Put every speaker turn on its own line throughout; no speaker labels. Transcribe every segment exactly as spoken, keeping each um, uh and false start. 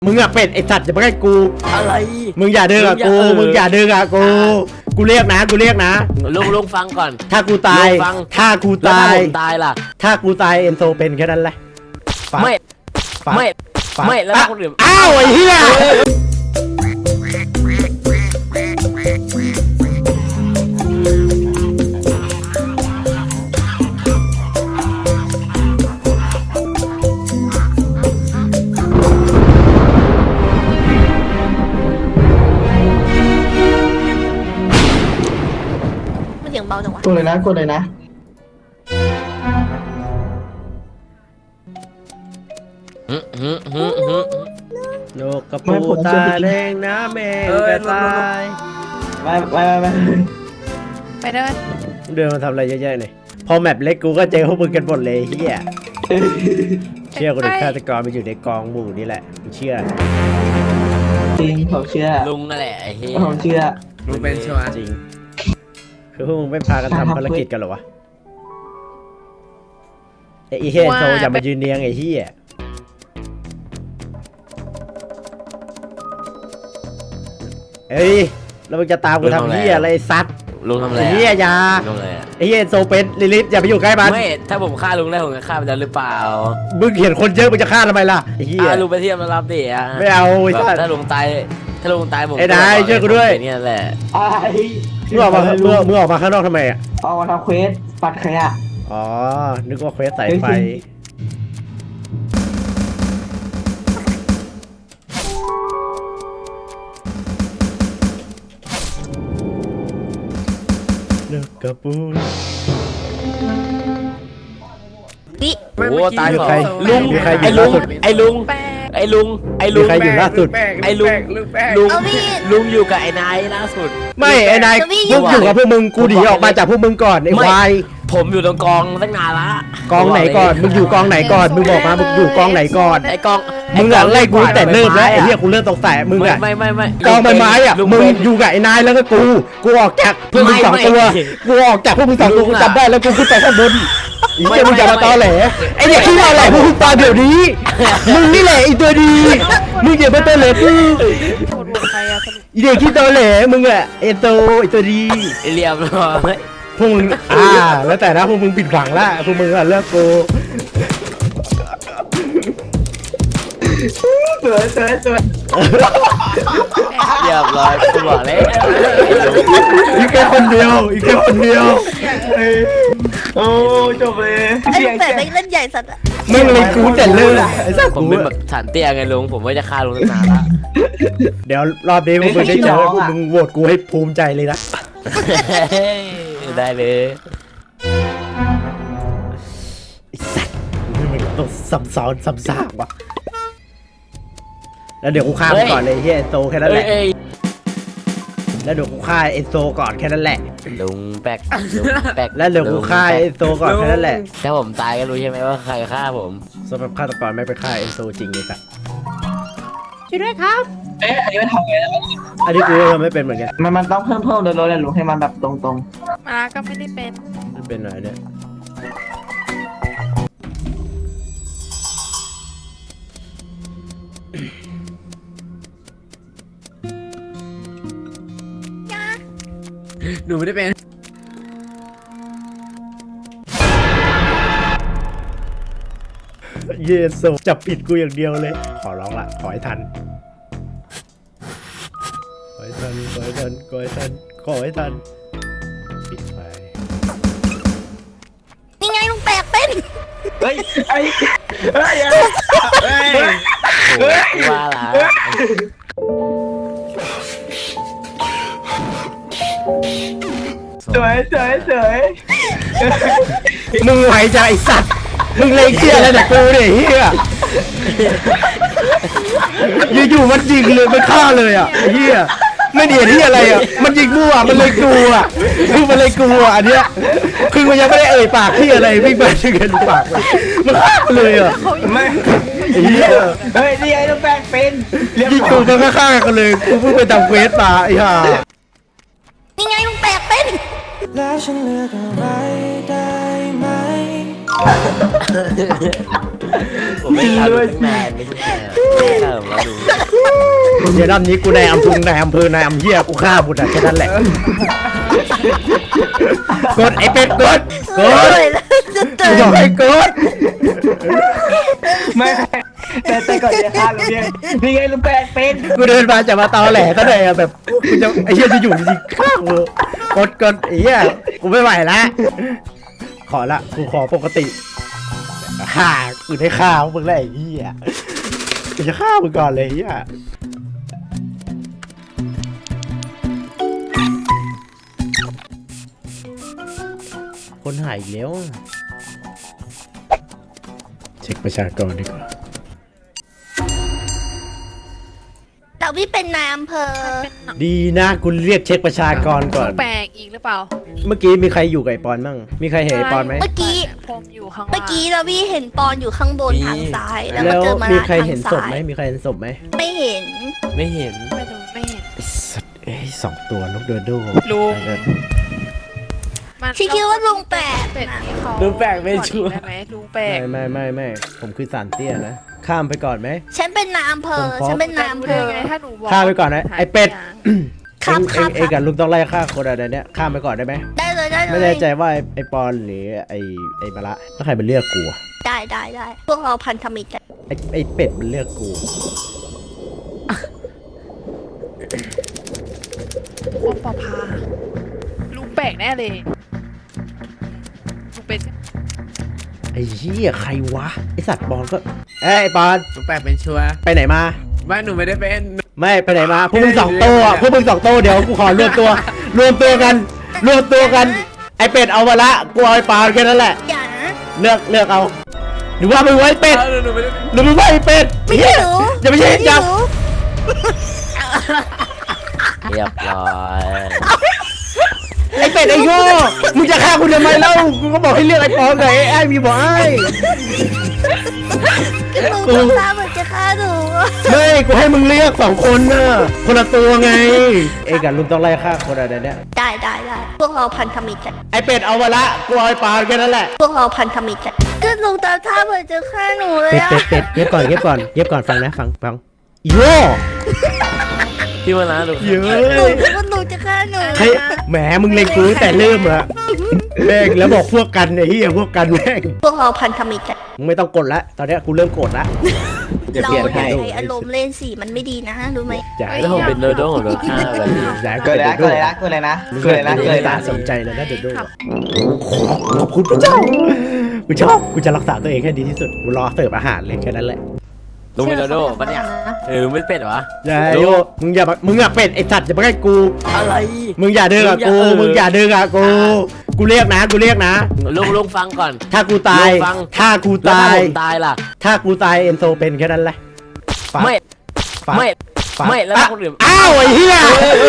มึงอะเป็ดไอสัตว์จะมาใกล้กู
อะไร
มึงอย่าเดินกับกูมึงอย่าเดินกับกูกูเรียกนะกูเรียกนะ
ลุงลุงฟังก่อน
ถ้ากูตายถ้ากูตาย
ตายล่ะ
ถ้ากูตายเอนโซเป็นแค่นั้นแหละ
ไม่ไม่ไม่แล้วคนอื่น
อ้าวไอ้เหี้ย
เสียงเบาจังวะ
กดเลยนะกดเลยนะ
โลกกระปูตาแดงน้ำแมงกระตาย
ไปไปไป
ไปเดิน
เดินมาทำอะไรเยอะๆเลยพอแมปเล็กกูก็เจอพวกมึงกันหมดเลยเฮียเชื่อกูดิฆาตกรมันอยู่ในกองหมู่นี่แหละเชื่อ
จริงผมเชื่อ
ลุงนั่นแหละไอ้เหี้ย
ผมเชื่อ
ลุงเป็นชัวร์จริงคือพวกมึงไม่พากันทำภารกิจกันหรอวะไอ้เฮียโซอย่ามายืนเนียงไอ้เฮียเอ้ยแล้วมึงจะตามกูทำเฮียอะไรซัด
ลุงทำอะไร
เฮียยาไอ้เฮียโซเป็นลิลิฟอย่าไปอยู่ใกล้มัน
ไม่ถ้าผมฆ่าลุงได้ผมจะฆ่ามันได้หรือเปล่า
มึงเห็นคนเยอะมึงจะฆ่าทำไมล่ะไอ้เฮีย
ลุงไปเทียบมารับดิอ่ะ
ไม่เอาไอ้
ถ้าลุงตายถ้าลุงตายผม
ไอ้นายช่วยกูด้วย
นี่แหละ
ไอ้
มึงออกมาเมื่อมึงออกมาข้างนอกทำไมอ่ะ
ออกมาทำเควสปัดขยะ
อ๋อนึกว่าเควสสายไฟเลิกกับปูน
นี่
โอ้ตายเหรอ
ลุง
ไอ้ลุงไอ้ลุงไอ้ลุงไอ้ลุง
ใครอยู่ล่าสุด
ไอ้ลุงลุงลุงอยู่กับไอ้นายล่าสุด
ไม่ไอ้นายลุงอยู่กับพวกมึงกูหนีออกมาจากพวกมึงก่อนไอ้ควาย
ผมอยู่ตรงกองตั้งนานละ
กองไหนก่อนมึงอยู่กองไหนก่อนมึงบอกมามึงอยู่กองไหนก่อน
ไอ้กอง
มึงอะไล่กูแต่เริ่มแล้วไอ้เหี้ยกูเริ่มตกแต่มึงอะ
ไม่ไม่ไม่
กองใบไม้อะมึงอยู่กับไอ้นายแล้วก็กูกูออกจากพวกมึงสองตัวกูออกจากพวกมึงสองตัวกูจำได้แล้วกูขึ้นไปข้างบนไอ้เหี้ยมึงอย่ามาตอแหลไอ้เด็กที่มาแหละพวกมึงตายเดี๋ยวนี้มึงนี่แหละไอ้ตัวดีมึงอย่ามาตอแหลกูไอ้เด็กที่ตอแหลมึงอะไอ้โตไอ้ตัวดี
เรียบร้อย
พวกมึงอ่าแล้วแต่นะพวกมึงปิดหวังละพวกมึงอะเลิกกู
สวยสวยสวย
เรียบร้อยกูบอกเลย
อีกแค่คนเดียวอีกแค่คนเดียว
โอ้จบเลย
ไอ้ลุงแต่เล่นใหญ่สัตว์
ไม่เลยกูแต่เลิกไอ้สัตว์
ผมเป็นแบบฐานเตี้ยไงลุงผมว่าจะฆ่าลุงตั้งนานละ
เดี๋ยวรอบนี้พวกมึงได้เจอพวกมึงโหวตกูให้ภูมิใจเลยนะ
ได้เลย
ไอ้สัตว์มึงต้องซ้ำซ้อนซ้ำซากวะแล้วเดี๋ยวกูฆ่ามันก่อนเลยเฮียเอนโซแค่นั้นแหละแล้วเดี๋ยวกูฆ่าเอนโซก่อนแค่นั้นแหละ
ลุงแป๊กแป๊ก
แล้วเดี๋ยวกูฆ่าเอนโซก่อนแค่นั้นแหละ
ถ้าผมตายก็รู้ใช่ไหมว่าใครฆ่าผม
สำหรับฆาตกรไม่ไปฆ่าเอนโซจริงเลยครับช่วยด้วยครับ
เอ๊ะอันนี้มันทำไงแล้ว
อันนี้กูทำไม่เป็นเหมือนกัน
มันมันต้องเพิ่มเพิ่มโดยรถเลยลุงให้มันแบบตรงตรง
มาก็ไม่ได้เป็น
มันเป็นอะไรเนี่ย
หนูไม่ได้เป็น
เยสจับผิดกูอย่างเดียวเลยขอร้องละขอให้ทันขอให้ทันขอให้ทันขอให้ทันขอให้ทันปิดไฟ
นี่ไงลุงแปลกเป็น
เฮ้ยไอ้เฮ้ยเฮ้ย
ว่าละ
สวยสวยสวย
มึงไหวใจไอ้สัตว์มึงเลยเชื่อแล้วแต่กูเนี่ยเฮียอยู่ๆมันยิงเลยมันฆ่าเลยอ่ะเฮียไม่เดียดที่อะไรอ่ะมันยิงมั่วมันเลยกลัวคือมันเลยกลัวอันเนี้ยคือมันยังไม่ได้เอ่ยปากที่อะไรวิ่งไปถึงกันปากมันฆ่าเลยอ่ะ
ไม่เฮียเฮ้ยนี่ไอ้ลูกแป้งเป็น
ยิงกูมันฆ่ากันเลยกูเพิ่งไปทำเควสมาไอ้ห่า
นี่ไงลุงแปลกเป็น
แล้วฉันเลือกอะไรได้ไหม
ผมไม่ทำตั้งนานไม่ใช่ไม่ทำแล้วลุง
เดี๋ยวรอบนี้กูในอำเภอนายอำเภอนายอำเฮียกูฆ่าบุตรแค่นั้นแหละกดไอ้เป็ดกดก
โอ้
ด
ยแล้วจะเจ
กู
อ
บอกให้กด
ไม่แต่แต่ก่อนจะฆ่าลุงเนี่ยนี่ไงลุงแปลกเป็น
กูเดินมาจะมาตอแหลซะหน่อยอะแบบกูจะไอ้เหี้ยจะอยู่จริงๆข้างกูกดกดไอ้เหี้ยกูไม่ไหวละขอละกูขอปกติฆ่ากูได้ฆ่ามึงแล้วไอ้เหี้ยกูจะฆ่ามึงก่อนเลยไอ้เหี้ยคนหายอีกแล้วอะเช็คประชากรดีกว่า
แต่พี่เป็นนายอำเภอ
ดีนะกูเรียกเช็คประชากรก่อน
แปลกอีกหรือเปล่า
เมื่อกี้มีใครอยู่กับไอปอนบ้างมีใครเห็นไอปอนไหม
เมื่อกี้
ผมอยู่ข้างล่าง
เมื่อกี้เราพี่เห็นปอนอยู่ข้างบนทางซ้าย แล้วก็
แล้ว
เจอมา
มี
ละ
ใคร
ทาง
เห็นศพ
ซ้า
ไหม
ย
มีใครเห็นศพไหม
ไม่เห็น
ไม่เห็น
ไม่ดูไม่เห็น
ไอ้สัตว์เอ้ยสองตัวนกเดินดู
ลุง
เดิน
มัน
พี่คิดว่าลุงแปลก
เป็ด
นะ
นี่เขา
ลุงแปลกไม่ชัวร์
ได้ไหมลุงแปลก
ไม่ไม่ไม่ไม่ผมคือสารเตี้ยนะข้ามไปก่อนไหม
ฉันเป็นนายอำเภอ
ผมฟ้อง
ฉันเป็นนายอำเภ
ได้
อ
ไงถ้าหนูบอก
ข้ามไปก่อนนะไอเป็ด
ครับ
เอ็ง
ครับ
เอ็งเอ็งกับลุงต้องไล่ฆ่าคนอะไรเนี้ยข้ามไปก่อนได้ไหม
ได้เลยได้เลย
ไม่แน่ใจว่าไอ้ไอปอนหรือไอไอมาละแล้วใครมันเลือกกูอะ
ได้ได้ได้พวกเราพันธมิตรกัน
ไอไอเป็ดมันเลือกกู
โอ้ปอพาลุงแปลกแน่เลยลุงเป็น
ไอเหี้ยใครวะไอสัตว์ปอนก็เอ้ยไอปอน
ลุงแปลกเป็นชัวร์
ไปไหนมา
ไม่หนูไม่ได้เป็น
ไม่ไปไหนมาพวกมึงสองตัวอะพวกมึงสองตัวเดี๋ยวกูขอรวมตัว รวมตัวกัน รวมตัวกัน ไอเป็ดเอามาละกูเอาไอปอนแค่นั้นแหละ
อย่านะ
เลือกเลือกเอาหรือว่ามึงไว้เป็ด
เออหนูไม่ได้เป็น
หรือมึงไว้เป็ด
ไม่
เหี้ย
รู้
อย่าไปใช่จับ
เรียบร้อย
ไอเป็ดไอโง่มึงจะฆ่ากูทำไมเล่ากูก็บอกให้เลือกไอปอนกับไอไอมีบอกไอ
ลุงทำท่าเหมือนจะฆ่าหนู
ไม่กูให้มึงเลือกสองคนน่ะคนละตัวไงเอ้กับลุงต้องไล่ฆ่าคนอะไรเนี่ย
ได้ได้ได้พวกเราพันธมิตรกัน
ไอเป็ดเอามาละกูเอาไอปอนแค่นั้นแหละ
พวกเราพันธมิตรกันก็ลุงทำท่าเหมือนจะฆ่าหนูเลย
เป็ด
อะ
เป็ดเป็ดเย็บก่อนเย็บก่อนเย็บก่อนฟังนะฟังฟังอีโง่
พี่มานะลุง
เยอ
ลุง
ะ
คิดว่าลุงจะฆ่าหนู
ใครแหมมึงเล็งกูตั้งแต่เริ่มอะแม่งแล้วบอกพวกกันไอ้เหี้ยพวกกันแม่ง
พวกเราพันธมิตรกัน
มึงไม่ต้องกดละตอนเนี้ยกูเริ่มโกรธละ
จะ
เรา
เปลี่ยน
อย่า
ให้
ใช้อารมณ์เล่นสิมันไม่ดีนะรู้ไหม
อย่าให้
แล้วผมเป็นโดโด้ของโดฆ่าแบบนี้
อย่าให้
เกิดเลยนะ
โด
เกิดเลยนะเกิดเลยนะ
มึง
เกิดเลยนะ
ไม่
เกิดเลย
ตา
นะ
สนใจเลยนะเดโดขอบคุณพระเจ้ากูชอบกูจะรักษาตัวเองให้ดีที่สุดกูรอเสิร์ฟอาหารเลยแค่นั้นแหละ
ลุงเป็นโดโด้ปะเนี่ยเออไม่เป็นเหรอวะ
อย่าโยมึงอย่ามามึงอย่าเป็ดไอสัตว์อย่ามาใกล้กู
อะไร
มึงอย่าเดินกับกู
มึ
มึง
งอย่
อา
ย่า
เดินกับกูกูเรียกนะกูเรียกนะ
ลุงลุงฟังก่อน
ถ้ากูตาย
ลุงฟัง
ถ้ากู
แล้ว
ตา
ถ้าย ผมตายล่ะ
ถ้ากูตายเอ็นโซเป็นแค่นั้นแหละฝาก
ไม่
ฝาก
ไม่
ฝาก
ไม่แล้ว
อ่ะ
ถ้าคนอื่น
อ้าวไอ้เหี้ย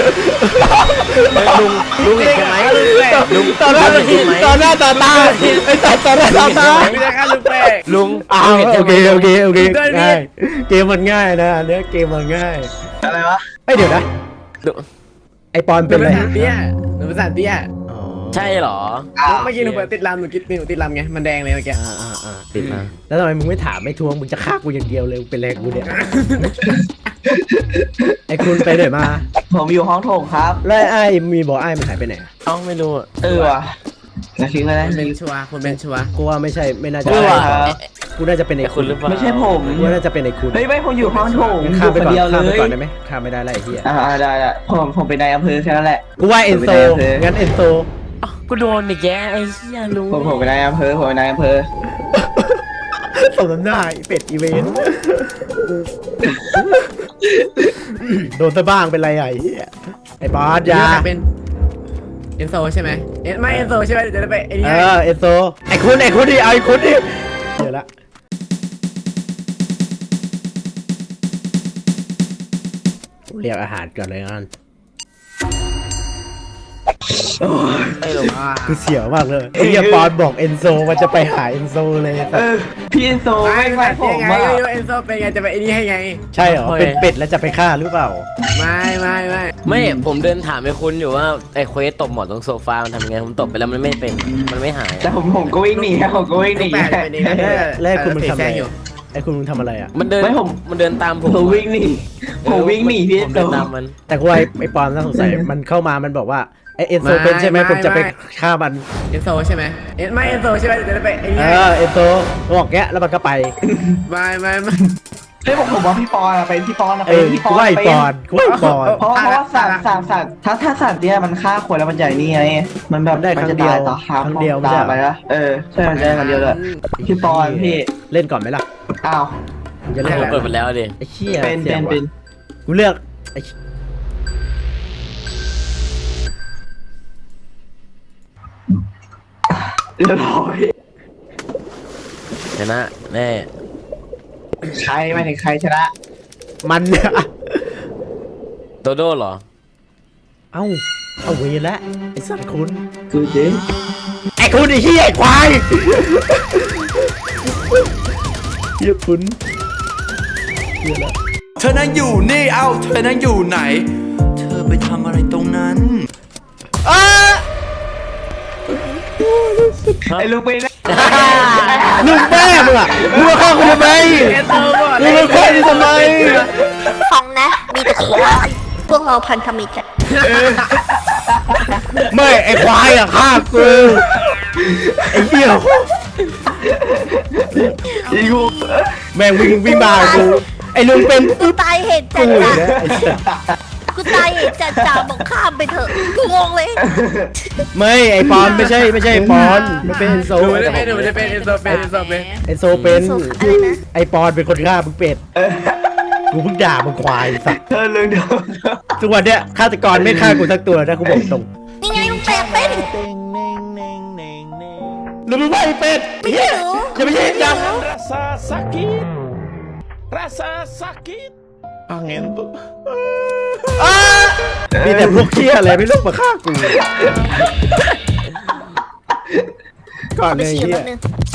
ลุงลุงเห็นใช่ไหมลุง
ต่อหน้า
ลุงเห็นไหม
ต่อหน้าต่อตาไอ้สัตว์ต่อหน้าต่อตา
ไม่ได้ฆ่าลุงแปะลุง
อ้าว
ลุงห็น
โอ
ใช่ไห
เค
ม
โอเคโอเค
ได้ดิ
ง่ายเกมมันง่ายนะอันเนี้ยเกมมันง่าย
อะไรวะ
ไอ้ยเดี๋ยวนะ
ลุง
ไอ้ปอน
หนู
เป็น
เป็
อะ
น
ไร
สารเตี้ยหนูเป็นสารเตี้ย
อ๋อ
ใช่เหรอ
เมื่อกี้หนูเปิดติดลำหนูคิดหนูติดลำไง มันแดงเลยเมื่อกี้
อ่าอ่าอ่าติดมาแล้วทำไมมึงไม่ถามไม่ทวงมึงจะฆ่ากูอย่างเดียวเลยมึงเป็นแรงกูเนี่ย ไอ้คุณไปไหนมา
ผมอยู่ห้องโถงครับ
แล้วไอ้มีบอกไอ้มันหายไปไหน
เอ้าไม่รู้อะ
เออว่ะจะทิ้งเลยนะ
คนเป็นชัวร์คนเป็นชัวร์
กูว่าไม่ใช่ไม่น่าจะ
เออ
ใช่
ว่ะ
กูน่าจะเป็นไอ้
ไอ้
คุ
คุณ ณหรือเปล่า
ไม่ใช่ผม
กูว่าน่าจะเป็นไอ้คุณ
เฮ้ยไม่ผมอยู่ห้องโถง
งั้นข้ามไป
อยู่
ก่อน
คนเดียว
ข้ามไป
เลย
ก่อนได้ไหมข้ามไม่ได้แล้วไอ้เหี้ย
อ่าได้ได้ผมผมเป็นนายอำเภอแค่นั้นแหละ
กูว่าเอ็นโซ
ไม่ได้
งั้นเอ็นโซ
เอ้ากูโดนอีกแย่ไอ้เหี้ยลุง
ผมผมเป็นนายอำเภอผมเป็นนายอำเภอ
สมน้ำหน้าไอ้เป็ดอีเวนต์โดนซะบ้างเป็นไรอ่ะไอ้เหี้ยไอ้บอสยา
เป็นเอ็นโซใช่ไหมเอ็นไม่เอ็นโซใช่ไหมเดี๋ยวจะได้ไปไอ้นี่
เอ
ให้
อเอ็นโซไอ้คุณไอ้คุณดิเอาไอ้คุณดิเดี๋ยวละเรียกอาหารก่อนเลยกัน
ไอ้หลง
กูเสียวมากเลยไอ้เหี้ยปอนบอกเอนโซมันจะไปหาเอนโซเลย
เออพี่เอนโซ
ไม่
ไม่
ไม่
ไม่ผ
ยัง
ม
ไง
อ่ะ
เอ็นโซเป็นไงจะไปไอ้นี่ให้ไง
ใช่เหรอเป็นเป็ดแล้วจะไปฆ่าหรือเปล่า
ไม่ไม่ไม่
ไม่ผมเดินถามไอ้คุณอยู่ว่าไอ้เควสตบหมอนตรงโซฟามันทำยังไงผมตบไปแล้วมันไม่เป็นมันไม่หาย
แต่ผมผมก็วิ่งหนีครับผมก็วิ่งห
ลู
นี
กแปดเป็นเองนะ
แล้วไอ้คุณมึงทำอะไร
แซอยู่
ไอ้คุณมึงทำอะไรอ่ะ
มันเดิน
ไม่ผม
มันเดินตามผม
ผมวิ่งหนีผมวิ่งหนีพี่เอ
ผ
น
ม
โซ
เดินตามมัน
แต่กูว่าไอ้ไอ้ปอนน่าสงสัยมันเข้ามามันบอกว่าไอ้เอนโซเป็นใช่ไหมผมจะไปฆ่ามัน
เอ็นโซใช่ไหมเอ็นไม่เอ็นโซใช่ไหมจะไปไอ้
เอ
นี่
อเอนโซบอกแกแล้วมันก็ไป
ไม่ไม่ไม่
เฮ้ยผมผมว่าพี่ปอนอะเป็นพี่ปอนอะ
เอ
เป็น
อ
พี่ป
กู
อน
ว่าไอ้
เป็
ปอน นกูว่าไอ้ปอน
เพราะเพราะว่าสัตว์สัตว์สัตว์ถ้าถ้าสัตว์เนี่ยมันฆ่าคนแล้วมันใหญ่นี่ไงมันแบบ
มันได้ครั้ง
จะ
เดียว
ตายต่อครับ
ครั้งเดียวไม่
ตา
ใช่
ย
เหรอ
ไปแล้วเออใช่มันได้ครั้งเดียวเลยพี่ปอนพี่
เล่นก่อนไหมล่ะ
อ้าว
มึงจะเล่น
ผม
อะไร
เปิดไปแล้วดิ
ไอ้เชี่ย
เป็น
สี
เป็
ย
น
ว่ะ
เป็น
กูเลือกไอ้
เรียบร้อย
ชนะแน่
ใครไม่ถึงใครชนะ
มันเนี่ย
โดโด้เหรอ
เอ้าเอาเวรแล้วไอ้สัตว์คุณ
คือจริง
ไอ้คุณไอ้เหี้ยไอ้ควายเหี้ยคุณเหี้ยแล้ว
เธอนั่งอยู่นี่ เอ้า เธอนั่งอยู่ไหน เธอไปทำอะไรตรงนั้น
ไอ้ลูกเป็น
ลูกแม่มึงอ่ะมึงมาฆ่ากูทำไม
เอ็นโซก่อน
มึงมาฆ่ากูทำไม
ของนะ มีแต่ควายพวกเราพันธมิตรกัน
ไม่ไอ้ควายอ่ะฆ่ากูไอ้เหี้ย
อีกู
แม่งวิ่งวิ่งมากูไอ้ลุงเป็น
กูตายเหตุจั
กู
ด
อีก
จ้ะ
แล้วไอ้สัส
กูตายเหตุจัดจ้ะบอกข้ามไปเถอะกูงงเลย
ไม่ไอ้ปอนไม่ใช่ไม่ใช่ปอนมันเป็นเอนโซ
ดูไม่ได้เป็นดูไม่ได้เป็นเอ็นโซเป็นเอ็นโซเป็น
เอนโซเป็น
อะไรนะ
ไอ้ปอนเป็นคนฆ่ามึงเป็ดกูเพิ่งด่ามึงควายสัส
เธอเรื่องเดียว
ทุกวันเนี้ยฆาตกรไม่ฆ่ากูสักตัวนะกูบอกตรง
นี่ไงมึงแปลกเป็น
หรือมึงไม่เป็ด
ไม่ใช่หนู
จะไม่ใช่ยัง
Rasa sakit Rasa sakit Angin tuh
มีแต่พวกเคี้ยอะไรไม่รู้มาฆ่ากูก่อน
ไป
เลย
ฉีด
เฮี
แป๊
ย
บนึง